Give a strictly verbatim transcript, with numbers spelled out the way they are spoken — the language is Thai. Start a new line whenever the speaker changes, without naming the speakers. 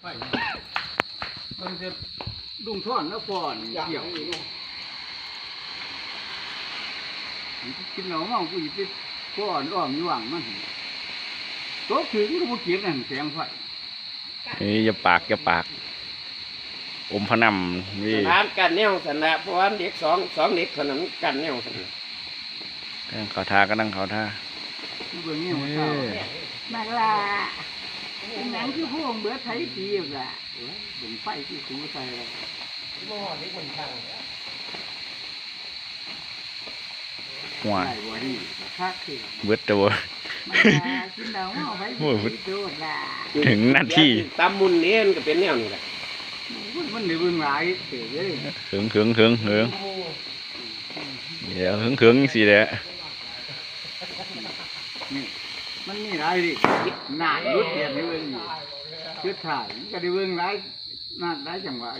ไปมันจะดุงท่อนแล้วก่อนเกี่ยวกินเหล้าเมากูหยิบไปก้อนอ้อมอยู่หวังมันโต๊ะถึงก็บ่เก็บนั่นแสงไฟ
เฮ้ยอย่าปากอย่าปากอมพนันนี่
สนามกันแนวสนะเพราะว่าเด็กสองสองเด็กเท่านั้นกันแนวสนะ
นั่งเขาท่าก็นั่งเขาท่า
เบิ่งนี่มันเศร้านักล่ะเป็นหนังคือพวกเบิดไทยปีบล่ะเบิ่งไฟที่สูใส่แล้ว
หัว
ได้บ่ดีคักคือ
เบิดตัว
มันมากินเหล้าเมาไปสิโดดล่ะ
ถึงนาที
ตำมุนเน้นก็เป็นแนวนี้แหละ
มันได้เบิ่งหลายเด้อเด้
หึงหึงหึงหึงเดี๋ยวหึงหึงสิแหละ
นี่มันมีหลายดิหน้ายุดเดียนนี่เบิ่งอยู่คือถ่ายมันก็ได้เบิ่งหลายหน้าหลายจังหวะ